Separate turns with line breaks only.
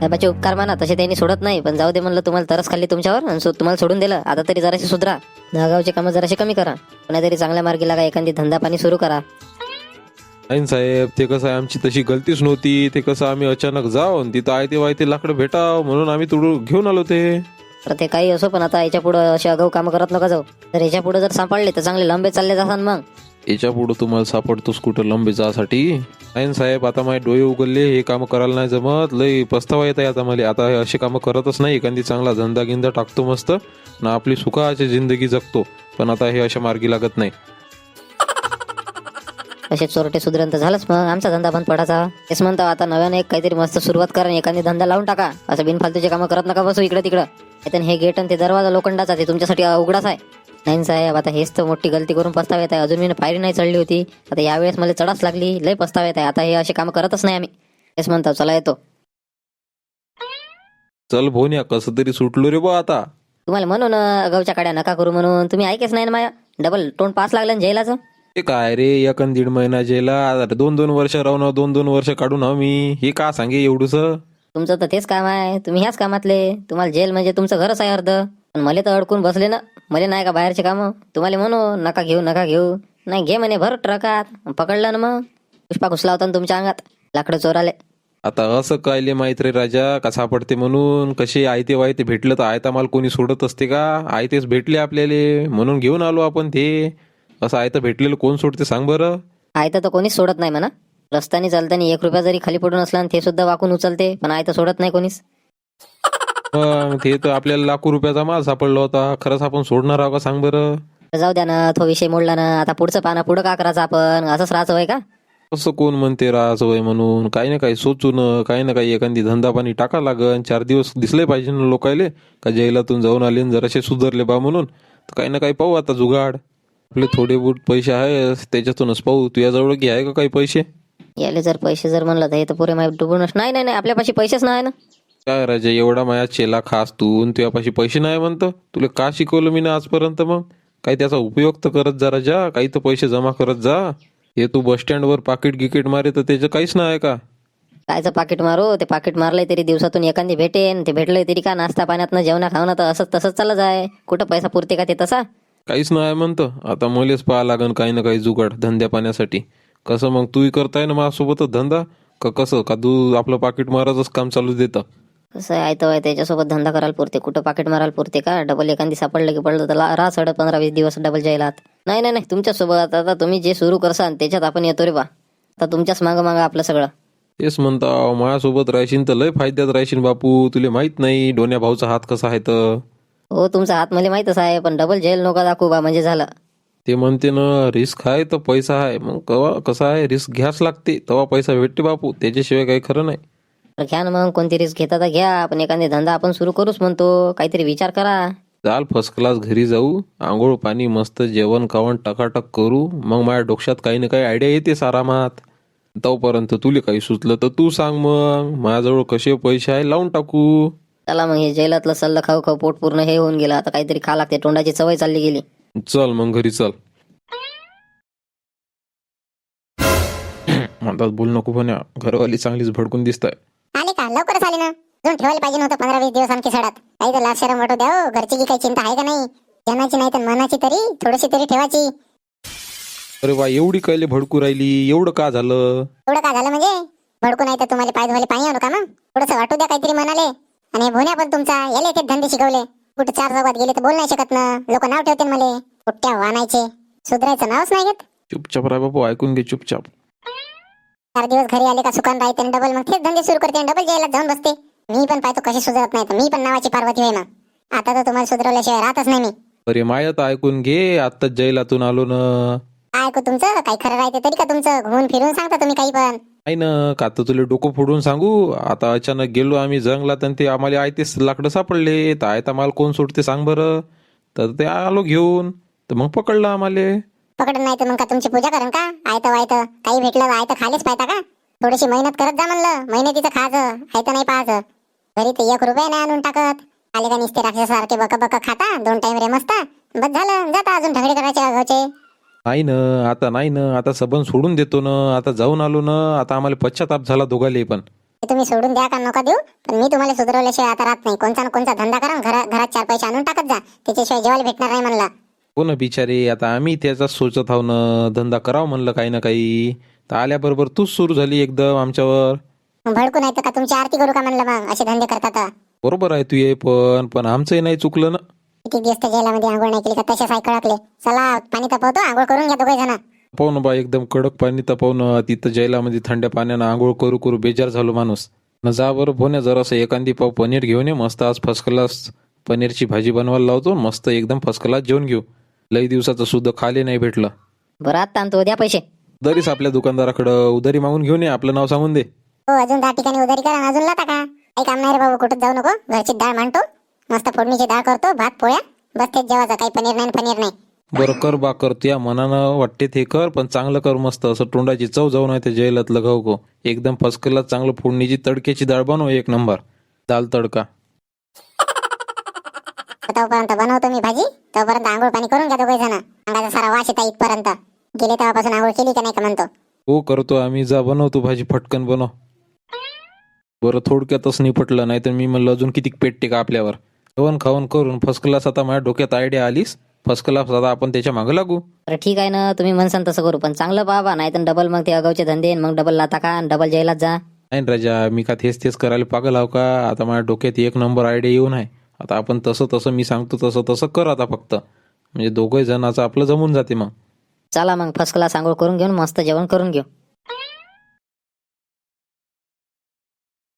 साहेबाचे उपकार माना, तसे त्यांनी सोडत नाही. पण जाऊ दे म्हणलं, तुम्हाला तरस खाल्ली तुमच्यावर आणि तुम्हाला सोडून दिलं. आता तरी जराशी सुधरा, दहागावचे कामं जराशी कमी करा, कोणातरी चांगल्या मार्गी लागा, एखादी धंदा पाणी सुरू करा.
नाही साहेब, ते कसं आहे, आमची तशी गलतीच नव्हती. ते कसं आम्ही अचानक जाऊन तिथं आयते वायते लाकडं भेटाव म्हणून आम्ही तुडू घेऊन आलो ते.
तर ते काही असो, पण आता याच्या पुढे असे अगाऊ कामं करत नका जाऊ. तर याच्या पुढे जर सापडले तर चांगले लंबे चालले जातात. मग
याच्या पुढं तुम्हाला सापडतोस कुठं लंबे जासाठी? नाही साहेब, आता माझे डोळे उघडले, हे कामं करायला नाही जमत. लय पस्तावा येत आहे आता मला. आता हे असे कामं करतच नाही. एखादी चांगला धंदा गिंदा टाकतो मस्त ना, आपली सुखाची जिंदगी जगतो. पण आता हे अशा मार्गी लागत नाही.
असे चोरटे सुधरण तर झालंच, मग आमचा धंदा बंद पडायचा. तेच म्हणतो, आता नव्याने एक काहीतरी मस्त सुरुवात करा, एखादी धंदा लावून टाका. असं बिनफालतूचे कामं करत नका बसू इकडे तिकडं. हे गेट आणि ते दरवाजा लोखंडाचा, ते तुमच्यासाठी उघडाच आहे. नाही साहेब, आता हेच तर मोठी गलती करून पस्ताव येत आहे. अजून मी पायरी नाही चढली होती, आता यावेळेस मला चढाच लागली. लय पस्ताव येत आहे. आता हे असे कामं करतच नाही आम्ही. तेच म्हणतो, चला येतो.
चल भोन्या, कसं तरी सुटलो रे बा आता.
तुम्हाला म्हणून गावच्या काड्या नका करू म्हणून, तुम्ही ऐकेच नाही ना माझ्या. डबल तोंड पास लागलं ना जेलाचं.
हे काय रे, 1-1.5 महिना जेला, 2-2 वर्ष राहून 2-2 वर्ष काढून हवं मी. हे का सांगे एवढूस?
तुमचं तर तेच काम आहे, तुम्ही ह्याच कामातले. तुम्हाला जेल म्हणजे तुमचं घरच आहे अर्ध. पण मला तर अडकून बसले ना. मला नाही का बाहेरचे कामं. तुम्हाला म्हणू नका घेऊ नका घेऊ, नाही घे म्हणे भर ट्रकात. पकडलं ना मग पुष्पा घुसला होता ना तुमच्या अंगात, लाकडं चोराले.
आता असं कायले माहित रे राजा, का सापडते म्हणून? कसे आयते वायते भेटलं तर आयता माल कोणी सोडत असते का? आयतेच भेटले आपल्याला म्हणून घेऊन आलो आपण ते. असं आयतं भेटलेलं कोण सोडते सांग बरं?
आयतं तर कोणीच सोडत नाही म्हणा. रस्त्याने चालताना 1 रुपया जरी खाली पडून असला आणि ते सुद्धा वाकून उचलते, पण आयतं सोडत नाही कोणीच.
मग ते तर आपल्याला लाखो रुपयाचा माल सापडला होता. खरंच आपण सोडणार आहोत का सांग बरं?
तर जाऊ द्या ना, तो विषय मोडला ना. आता पुढचं पाना पुढं का करायचं आपण? असंच राहायचं होय का?
असं कोण म्हणते राहायचं वय म्हणून? काही ना काही सोचून, काही ना काही एखादी धंदा पाणी टाका लागन. 4 दिवस दिसले पाहिजे ना लोकायले, का जेलातून जाऊन आले न जरासे सुधारले बा म्हणून. तर काही ना काही पाहू आता जुगाड. आपले थोडे बहुत पैसे आहे त्याच्यातूनच पाहू. तुझ्याजवळ की आहे का काही पैसे?
याले जर पैसे जर म्हणलं तर हे तर पुरे माहिती डुबूनच. नाही नाही नाही, आपल्यापाशी पैसेच नाही ना.
काय राजा, एवढा माया चेला खास तू न तुझ्यापाशी पैसे नाही म्हणतं? तुला का शिकवलं मी ना आजपर्यंत? मग काही त्याचा उपयोग तर करत जा राजा, काही तर पैसे जमा करत जा. हे तू बस स्टँडवर पाकिट गिकीट मारे तर त्याचं काहीच नाही का?
कायचं पाकिट मारू? ते पाकिट मारलंय तरी दिवसातून एखादी भेटेन. ते भेटलंय तरी का नाश्ता पाण्यात जेवणा खावणं तर असंच तसंच चालत आहे. कुठं पैसा पुरते का ते तसा?
काहीच नाही म्हणतं. आता मलेच पाहा लागन काही ना काही जुगाड धंद्या पाण्यासाठी. कसं मग तूही करताय ना माझ्यासोबतच धंदा, का कसं? का तू आपलं पाकिट मारायचंच काम चालू देतं?
कसं आहे तर त्याच्यासोबत धंदा करायला पुरते, कुठं पाकिट मारायला पुरते का? डबल एखादी सापडलं की पडलं तर राहा 15-20 दिवस डबल जायलात. नाही नाही नाही, तुमच्यासोबत आता तुम्ही जे सुरू करसान त्याच्यात आपण येतो रे बा. आता तुमच्याच मागं मागं आपलं सगळं.
तेच म्हणता, माझ्यासोबत राहशील तर लय फायद्यात राहशील बापू. तुला माहित नाही डोन्या भाऊचा हात कसा आहे तर.
हो, तुमचा हात मला माहीतच आहे, पण डबल जेल नका दाखवू बा म्हणजे झालं.
ते म्हणते ना, रिस्क आहे तर पैसा आहे. मग कवा कसं आहे, रिस्क घ्याच लागते तेव्हा पैसा भेटते बापू. त्याच्याशिवाय काही खरं नाही.
तर घ्या ना मग, कोणती रिस्क घेता तर घ्या. आपण एखादी धंदा आपण सुरू करूच म्हणतो, काहीतरी विचार करा.
चाल फर्स्ट क्लास घरी जाऊ, आंघोळ पाणी मस्त जेवण खावण टकाटक करू. मग माझ्या डोक्यात काही ना काही आयडिया येतेस आरामात. तोपर्यंत तुला काही सुचलं तर तू सांग. मग माझ्याजवळ कसे पैसे आहे लावून टाकू.
चला मग, हे जेलातलं सल्लं खाऊ खाऊ पोट पूर्ण हे होऊन गेलं. आता काहीतरी खा लागते, तोंडाची सवय चालली गेली.
चल मग घरी चल. म्हणतात बोल नको पण घरवाली चांगलीच भडकून दिसताय.
आले का? लवकरच आले ना. अजून ठेवायला पाहिजे नव्हतं 15-20 दिवस आणखी सडात. काही तर लाज शरम वाटू द्या हो. घरची की काही चिंता आहे का नाही? जनाची नाही तर मनाची तरी थोडीशी तरी ठेवायची.
अरे वा, एवढी कायले भडकू राहिली? एवढं का झालं?
एवढं का झालं म्हणजे? भडकू नाही तर तुम्हाला पाय धुवायला पाणी आणू का मग? थोडंसं वाटू द्या काहीतरी मनाले. आणि भोन्या पण तुमचा याला ते धंदे शिकवले. कुठे 4 चौकात गेले तर बोल नाही शकत ना. लोक नाव ठेवतील मले कुठ्या वानायचे. सुधरायचं नावच नाही घेत.
चुपचाप राय बापू, ऐकून घे चुपचाप.
4 दिवस घरी आले का सुकान राहते आणि डबल मग तेच धंदे सुरू करते आणि डबल जेलात जाऊन बसते. मी पण पाहतो कशी सुधारत नाही तर मी पण नावाची पार्वती होय मग. आता तर तुम्हाला सुधरवल्याशिवाय राहतच नाही मी.
अरे माया तर ऐकून घे, आत्ताच जैलातून आलो ना.
काय ऐकू तुमचं? काही खरं राहते तरी का तुमचं? घुमून फिरून सांगता तुम्ही काही पण.
नाही ना, का तर तुला डोकं फोडून सांगू. आता अचानक गेलो आम्ही जंगलात आणि ते आम्हाला आयतेच लाकडं सापडले. तर आयता माल कोण सोडते सांग बरं? तर ते आलो घेऊन, तर मग पकडलं आम्हाला.
पकडत नाही तर मग का तुमची पूजा करण का? आयतं वायतं काही भेटलं आयतं खालीच पाहता का? थोडीशी मेहनत करत जा म्हणलं. मेहनतीचं खायचं, आयतं नाही पाहायचं. घरी तर 1 रुपया नाही आणून टाकत. आले का निस्ते राक्षसारखे बक बक खाता. 2 टाइम रे मस्त बस झालं. जाता अजून ढगडे करायचे घरचे.
नाही ना, आता नाही ना, आता सबन सोडून देतो ना. आता जाऊन आलो ना. आता आम्हाला पश्चाताप झाला दोघाले पण.
ते तुम्ही सोडून द्या का नका देऊ, पण मी तुम्हाला सुधारवल्याशिवाय आता राहत नाही. कोणचा ना कोणचा धंदा करा, घरात 4 पैसे आणून टाकत जा. त्याच्याशिवाय जेवायला भेटणार नाही म्हणलं.
हो ना बिचारे, आता आम्ही त्याचाच सोचत आहो ना, धंदा करावं म्हणलं काही ना काही. तर आल्याबरोबर तूच सुरू झाली एकदम आमच्यावर.
मग भडकू नाही तर का तुमची आरती करू का म्हणलं? मग असे धंदे करतात.
बरोबर आहे तू ये, पण आमचंही नाही चुकलं ना.
किती दिवस तर जेलामध्ये आंघोळ नाही केली का तसे साय कळकले. चला पाणी तापवतो, आंघोळ करून घ्या दोघे जण.
पाहू बा, एकदम कडक पाणी तापवणं, तिथं जैलामध्ये थंड्या पाण्यानं आंघोळ करू करू बेजार झालो माणूस. न जा बरं भोण्या, जरासं एखादी पाव पनीर घेऊन ये मस्त. आज फर्स्ट क्लास पनीरची भाजी बनवायला लावतो, मस्त एकदम फर्स्ट क्लास जेवण घेऊ. लई दिवसाचं सुद्धा खाले नाही भेटलं.
बरं आता आणतो, द्या पैसे.
दरीच आपल्या दुकानदाराकडं उधारी मागून घेऊन ये, आपलं नाव सांगून दे.
हो, अजून 10 ठिकाणी उधारी करा आणि अजून लाता का? काही काम नाही रे बाबू, कुठं जाऊ नको. घरची डाळ मांडतो, मस्त फोडणीची डाळ करतो, भात पोळ्या, बस तेच जेवायचं. काही पनीर नाही.
बरं कर बा, कर. त्या मनानं वाटते ते कर, पण चांगलं कर मस्त. असं तोंडाची चव जाऊ नाही त्या जेलातलं घाऊ गो. एकदम फर्स्ट क्लास चांगलं फोडणीची तडक्याची डाळ बनव, 1 नंबर दाल तडका.
तोपर्यंत बनवतो मी भाजी, तोपर्यंत आंघोळ पाणी करून घ्या दोघे जण. अंगाचा सारा वास येता इथपर्यंत. गेले तेव्हापासून आंघोळ केली का नाही का म्हणतो.
हो करतो आम्ही, जा बनवतो भाजी, फटकन बनव. बरं थोडक्यातच निपटलं, नाही तर मी म्हणलं अजून किती पेटते का आपल्यावर. जेवण खावण करून फर्स्ट क्लास आता माझ्या डोक्यात आयडिया आलीस. फर्स्ट क्लास आता आपण त्याच्या मागं लागू.
बरं ठीक आहे ना, तुम्ही म्हणसान तसं करू, पण चांगलं बाबा, नाही तर डबल मग ते अगावचे धंदे, मग डबल लाता का आणि डबल जेलात जा.
नाही न राजा, मी का तेच करायला पागल आहो का? आता माझ्या डोक्यात 1 नंबर आयडिया येऊन आहे. आता आपण तसं मी सांगतो तसं कर आता फक्त, म्हणजे दोघे जणांचं आपलं जमून जाते मग.
चला मग फर्स्ट क्लास आंघोळ करून घेऊन मस्त जेवण करून घेऊ.